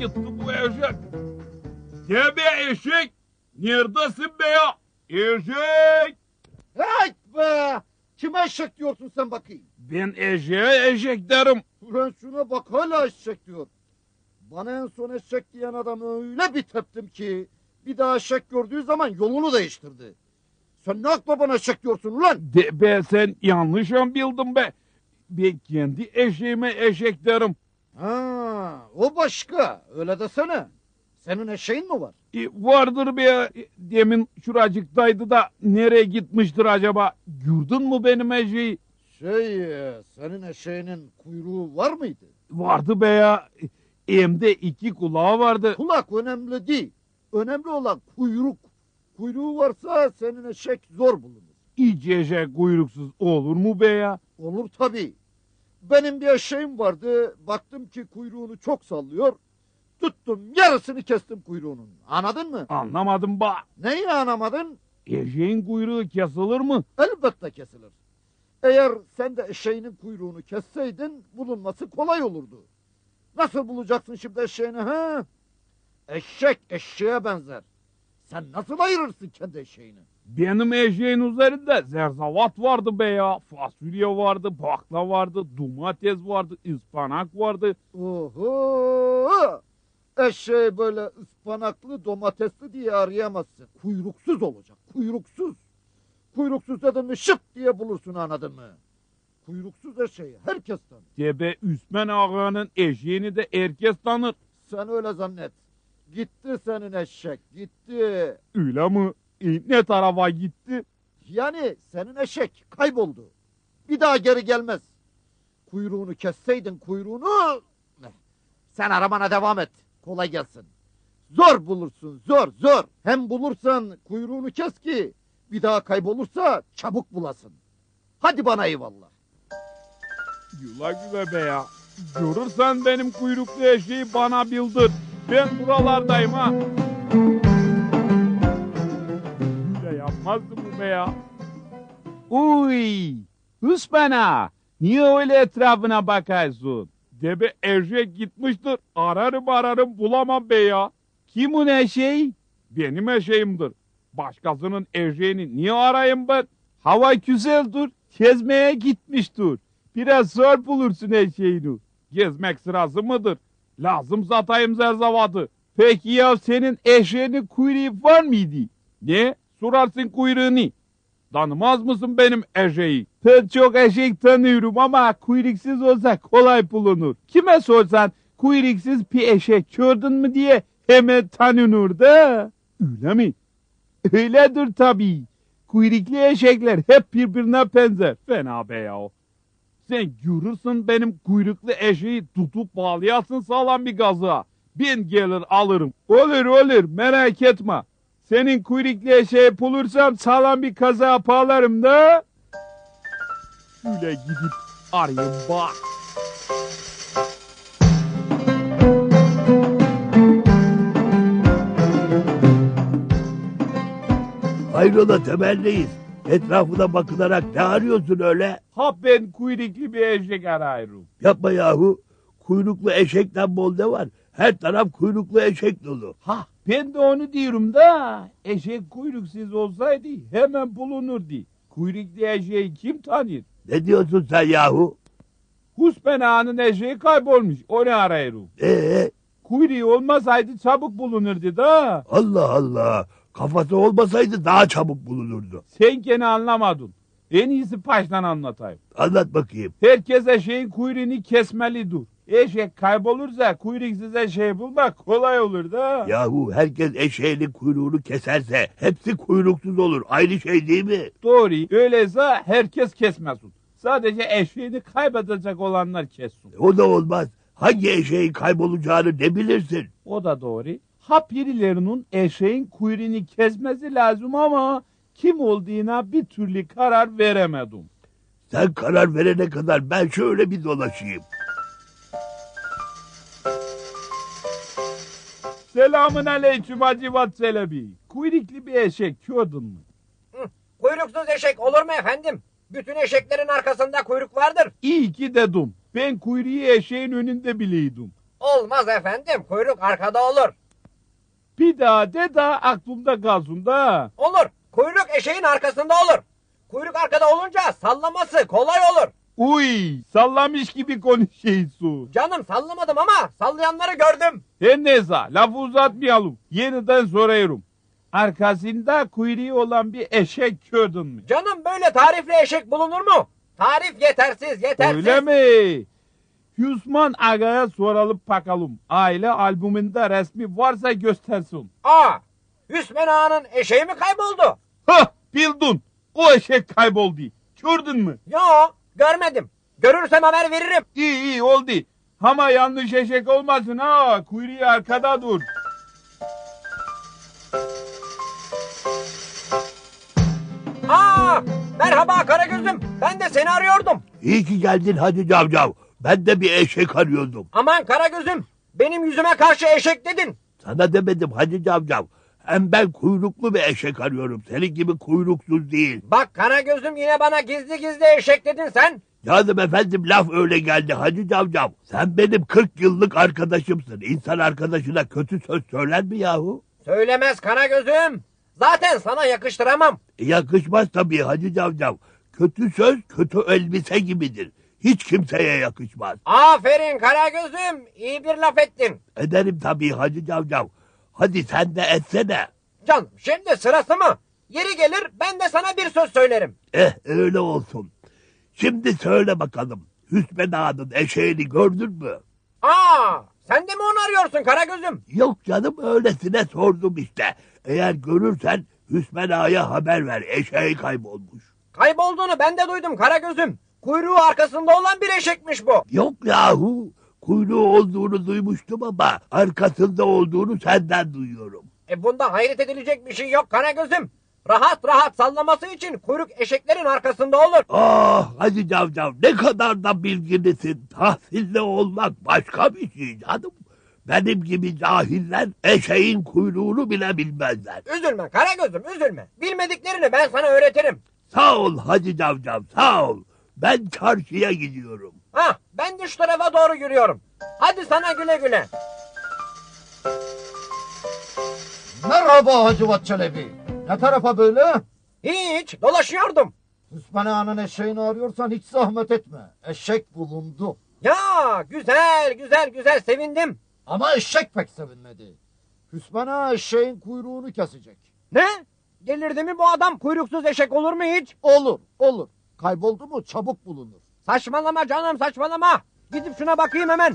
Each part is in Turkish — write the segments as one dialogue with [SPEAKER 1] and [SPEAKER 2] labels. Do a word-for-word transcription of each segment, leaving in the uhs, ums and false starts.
[SPEAKER 1] gitti bu eşek? Ya be eşek! Neredesin be ya? Eşek!
[SPEAKER 2] Hey be! Kime eşek diyorsun sen bakayım?
[SPEAKER 1] Ben eşeğe eşek derim.
[SPEAKER 2] Ulan şuna bak hala eşek diyor. Bana en son eşek diyen adamı öyle bir teptim ki bir daha eşek gördüğü zaman yolunu değiştirdi. Sen ne akla bana eşek diyorsun ulan?
[SPEAKER 1] De be sen yanlış mı bildin be? Ben kendi eşeğime eşek derim.
[SPEAKER 2] Ha, o başka. Öyle desene. Senin eşeğin mi var?
[SPEAKER 1] E, vardır be ya. E, demin şuracıktaydı da nereye gitmiştir acaba? Gördün mü benim eşeği?
[SPEAKER 2] Şey, senin eşeğinin kuyruğu var mıydı?
[SPEAKER 1] Vardı be ya. E, hem de iki kulağı vardı.
[SPEAKER 2] Kulak önemli değil. Önemli olan kuyruk. Kuyruğu varsa senin eşek zor bulunur.
[SPEAKER 1] Hiç eşek kuyruksuz olur mu be ya?
[SPEAKER 2] Olur tabii. Benim bir eşeğim vardı. Baktım ki kuyruğunu çok sallıyor. Tuttum yarısını kestim kuyruğunun. Anladın mı?
[SPEAKER 1] Anlamadım ba.
[SPEAKER 2] Neyi anlamadın?
[SPEAKER 1] Eşeğin kuyruğu kesilir mi?
[SPEAKER 2] Elbette kesilir. Eğer sen de eşeğinin kuyruğunu kesseydin bulunması kolay olurdu. Nasıl bulacaksın şimdi eşeğini ha? Eşek eşeğe benzer. Sen nasıl ayırırsın kendi eşeğini?
[SPEAKER 1] Benim eşeğin üzerinde zerzavat vardı be ya. Fasulye vardı, bakla vardı, domates vardı, ıspanak vardı.
[SPEAKER 2] Oho! Eşeği böyle ıspanaklı domatesli diye arayamazsın. Kuyruksuz olacak, kuyruksuz. Kuyruksuz dedin mi şıp diye bulursun anladın mı? Kuyruksuz eşeği herkes tanır.
[SPEAKER 1] Debe Üsmen Ağa'nın eşeğini de herkes tanır.
[SPEAKER 2] Sen öyle zannet. Gitti senin eşek, gitti.
[SPEAKER 1] Öyle mi? E, ne tarafa gitti?
[SPEAKER 2] Yani senin eşek kayboldu. Bir daha geri gelmez. Kuyruğunu kesseydin kuyruğunu... Sen aramana devam et. Kolay gelsin. Zor bulursun, zor, zor. Hem bulursan kuyruğunu kes ki bir daha kaybolursa çabuk bulasın. Hadi bana eyvallah.
[SPEAKER 1] Güle güle be ya. Görürsen benim kuyruklu eşeği bana bildir. Ben buralardayım ha. Öyle yapmazdı bu be ya. Uy! Üsmen Ağa! Niye öyle etrafına bakıyorsun? Debe eşek gitmiştir. Ararım ararım bulamam be ya. Kimin eşeği? Benim eşeğimdir. Başkasının eşeğini niye arayayım ben? Hava güzeldir. Gezmeye gitmiştir. Biraz zor bulursun eşeğini. Gezmek sırası mıdır? Lazım satayım zerzavatı. Peki ya senin eşeğinin kuyruğu var mıydı? Ne? Sorarsın kuyruğunu. Tanımaz mısın benim eşeği? Ben çok eşek tanıyorum ama kuyruksuz olsa kolay bulunur. Kime sorsan kuyruksuz bir eşek gördün mü diye hemen tanınır da. Öyle mi? Öyledir tabii. Kuyruklu eşekler hep birbirine benzer. Fena be ya. Sen görürsün benim kuyruklu eşeği tutup bağlayasın sağlam bir gazığa. Ben gelir alırım. Olur olur merak etme. Senin kuyruklu eşeği bulursam sağlam bir kaza bağlarım da. Şöyle gidip arayayım bak.
[SPEAKER 3] Hayrola temelliyiz. Etrafına bakılarak ne arıyorsun öyle?
[SPEAKER 1] Ha ben kuyruklu bir eşek arıyorum.
[SPEAKER 3] Yapma yahu. Kuyruklu eşekten bol ne var? Her taraf kuyruklu eşek dolu.
[SPEAKER 1] Ha ben de onu diyorum da eşek kuyruksuz olsaydı hemen bulunurdu. Kuyruklu eşeği kim tanır?
[SPEAKER 3] Ne diyorsun sen yahu?
[SPEAKER 1] Huspen Ağa'nın eşeği kaybolmuş onu arıyorum.
[SPEAKER 3] Ee,
[SPEAKER 1] Kuyruğu olmasaydı çabuk bulunurdu da.
[SPEAKER 3] Allah Allah. Kafası olmasaydı daha çabuk bulunurdu.
[SPEAKER 1] Sen gene anlamadın. En iyisi baştan anlatayım.
[SPEAKER 3] Anlat bakayım.
[SPEAKER 1] Herkes eşeğin kuyruğunu kesmelidir. Eşek kaybolursa kuyruksuz eşeği bulmak kolay olur da.
[SPEAKER 3] Yahu herkes eşeğinin kuyruğunu keserse hepsi kuyruksuz olur. Aynı şey değil mi?
[SPEAKER 1] Doğru. Öyleyse herkes kesmesin. Sadece eşeğini kaybedecek olanlar kessin.
[SPEAKER 3] O da olmaz. Hangi eşeğin kaybolacağını ne bilirsin?
[SPEAKER 1] O da doğru. Ha birilerinin eşeğin kuyruğunu kesmesi lazım ama kim olduğuna bir türlü karar veremedim.
[SPEAKER 3] Sen karar verene kadar ben şöyle bir dolaşayım.
[SPEAKER 1] Selamün aleyküm Hacivat Çelebi. Kuyruklu bir eşek gördün mü?
[SPEAKER 4] Hı, kuyruksuz eşek olur mu efendim? Bütün eşeklerin arkasında kuyruk vardır.
[SPEAKER 1] İyi ki dedim. Ben kuyruğu eşeğin önünde biliyordum.
[SPEAKER 4] Olmaz efendim. Kuyruk arkada olur.
[SPEAKER 1] Bir daha de da aklımda kalsın da.
[SPEAKER 4] Olur. Kuyruk eşeğin arkasında olur. Kuyruk arkada olunca sallaması kolay olur.
[SPEAKER 1] Uy, sallamış gibi konuşuyorsun.
[SPEAKER 4] Canım sallamadım ama sallayanları gördüm.
[SPEAKER 1] Her neyse, lafı uzatmayalım. Yeniden soruyorum. Arkasında kuyruğu olan bir eşek gördün mü?
[SPEAKER 4] Canım böyle tarifli eşek bulunur mu? Tarif yetersiz, yetersiz.
[SPEAKER 1] Öyle mi? Hüsman Aga'ya soralım bakalım. Aile albümünde resmi varsa göstersin.
[SPEAKER 4] Aa, Hüsmen Ağa'nın eşeği mi kayboldu?
[SPEAKER 1] Hah, bildin. O eşek kayboldu. Gördün mü?
[SPEAKER 4] Yo, görmedim. Görürsem haber veririm.
[SPEAKER 1] İyi iyi oldu. Ama yanlış eşek olmasın ha. Kuyruğu arkada dur.
[SPEAKER 4] Aa, merhaba Karagöz'üm. Ben de seni arıyordum.
[SPEAKER 3] İyi ki geldin Hacı Cavcav. Ben de bir eşek arıyordum.
[SPEAKER 4] Aman Karagöz'üm, benim yüzüme karşı eşek dedin.
[SPEAKER 3] Sana demedim Hacı Cavcav. Hem ben kuyruklu bir eşek arıyorum. Senin gibi kuyruksuz değil.
[SPEAKER 4] Bak Karagöz'üm yine bana gizli gizli eşek dedin sen.
[SPEAKER 3] Canım efendim laf öyle geldi Hacı Cavcav. Sen benim kırk yıllık arkadaşımsın. İnsan arkadaşına kötü söz söyler mi yahu?
[SPEAKER 4] Söylemez Karagöz'üm. Zaten sana yakıştıramam.
[SPEAKER 3] E, yakışmaz tabii Hacı Cavcav. Kötü söz kötü elbise gibidir. Hiç kimseye yakışmaz.
[SPEAKER 4] Aferin Karagöz'üm, iyi bir laf ettin.
[SPEAKER 3] Ederim tabii Hacı Cavcav. Hadi sen de etsene.
[SPEAKER 4] Canım şimdi sırası mı? Yeri gelir ben de sana bir söz söylerim.
[SPEAKER 3] Eh öyle olsun. Şimdi söyle bakalım. Hüsmen Ağa'nın eşeğini gördün mü?
[SPEAKER 4] Aa, sen de mi onu arıyorsun Karagöz'üm?
[SPEAKER 3] Yok canım öylesine sordum işte. Eğer görürsen Hüsmen Ağa'ya haber ver. Eşeği kaybolmuş.
[SPEAKER 4] Kaybolduğunu ben de duydum Karagöz'üm. Kuyruğu arkasında olan bir eşekmiş bu.
[SPEAKER 3] Yok yahu. Kuyruğu olduğunu duymuştum ama arkasında olduğunu senden duyuyorum.
[SPEAKER 4] E bunda hayret edilecek bir şey yok Karagöz'üm. Rahat rahat sallaması için kuyruk eşeklerin arkasında olur.
[SPEAKER 3] Ah Hacı Cavcav ne kadar da bilgilisin. Tahsilli olmak başka bir şey canım. Benim gibi cahiller eşeğin kuyruğunu bile bilmezler.
[SPEAKER 4] Üzülme Karagöz'üm üzülme. Bilmediklerini ben sana öğretirim.
[SPEAKER 3] Sağ ol Hacı Cavcav sağ ol. Ben çarşıya gidiyorum.
[SPEAKER 4] Hah ben de şu tarafa doğru yürüyorum. Hadi sana güle güle.
[SPEAKER 2] Merhaba Hacivat Çelebi. Ne tarafa böyle?
[SPEAKER 4] Hiç dolaşıyordum.
[SPEAKER 2] Hüsmen Ağa'nın eşeğini arıyorsan hiç zahmet etme. Eşek bulundu.
[SPEAKER 4] Ya güzel güzel güzel sevindim.
[SPEAKER 2] Ama eşek pek sevinmedi. Hüsmen Ağa eşeğin kuyruğunu kesecek.
[SPEAKER 4] Ne? Delirdi mi bu adam, kuyruksuz eşek olur mu hiç?
[SPEAKER 2] Olur, olur. Kayboldu mu çabuk bulunur.
[SPEAKER 4] Saçmalama canım saçmalama. Gidip şuna bakayım hemen.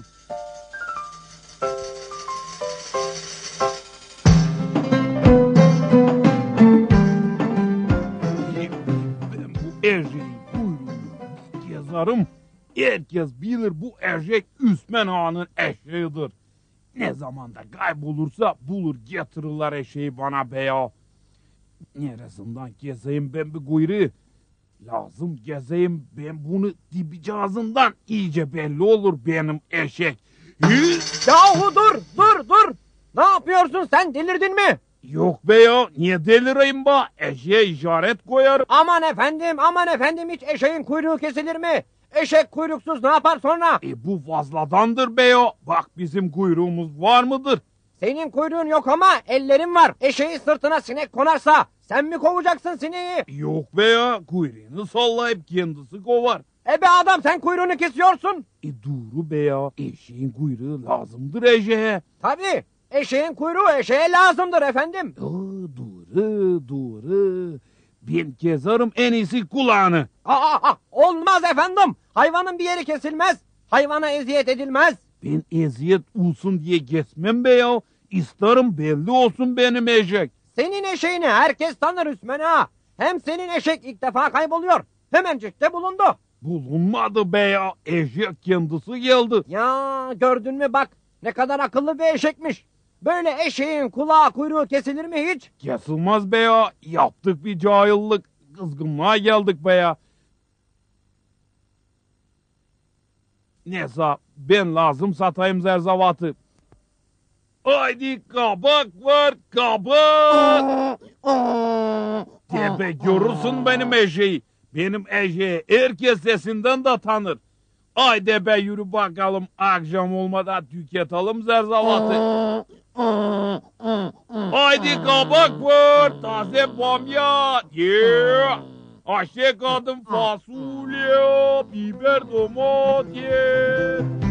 [SPEAKER 1] Ben bu erceğin kuyruğunu yazarım. Herkes bilir bu ercek Üsmen Ağa'nın eşeğidir. Ne zamanda kaybolursa bulur getirirler eşeği bana be ya. Neresinden gezeyim ben bu kuyruğu? Lazım gezeyim ben bunu dibicazından iyice belli olur benim eşek. Hı?
[SPEAKER 4] Yahu dur dur dur. Ne yapıyorsun sen, delirdin mi?
[SPEAKER 1] Yok be ya, niye delireyim ba? Eşeğe işaret koyarım.
[SPEAKER 4] Aman efendim aman efendim, hiç eşeğin kuyruğu kesilir mi? Eşek kuyruksuz ne yapar sonra?
[SPEAKER 1] E bu fazladandır be ya. Bak bizim kuyruğumuz var mıdır?
[SPEAKER 4] Senin kuyruğun yok ama ellerin var. Eşeği sırtına sinek konarsa sen mi kovacaksın sineği?
[SPEAKER 1] Yok be ya, kuyruğunu sallayıp kendisi kovar.
[SPEAKER 4] E be adam, sen kuyruğunu kesiyorsun.
[SPEAKER 1] E doğru be ya, eşeğin kuyruğu lazımdır eşeğe.
[SPEAKER 4] Tabii eşeğin kuyruğu eşeğe lazımdır efendim.
[SPEAKER 1] Aa, doğru doğru. Ben keserim en iyisi kulağını.
[SPEAKER 4] Aa, aa, olmaz efendim. Hayvanın bir yeri kesilmez. Hayvana eziyet edilmez.
[SPEAKER 1] Ben eziyet olsun diye kesmem be ya. İsterim belli olsun benim eşek.
[SPEAKER 4] Senin eşeğini herkes tanır Hüsmen Ağa. Hem senin eşek ilk defa kayboluyor. Hemencik de bulundu.
[SPEAKER 1] Bulunmadı be ya, eşek kendisi geldi.
[SPEAKER 4] Ya gördün mü bak, ne kadar akıllı bir eşekmiş. Böyle eşeğin kulağı kuyruğu kesilir mi hiç?
[SPEAKER 1] Kesilmez be ya, yaptık bir cahillik. Kızgınlığa geldik be ya. Neyse, ben lazım satayım zerzavatı. Haydi kabak var, kabak. Tebe görürsün benim eşeği. Benim eşeği herkes sesinden de tanır. Haydi be yürü bakalım akşam olmadan tüketelim zerzavatı. Haydi kabak var, taze bamya, yeah. Ayşe kadın fasulye, biber domates.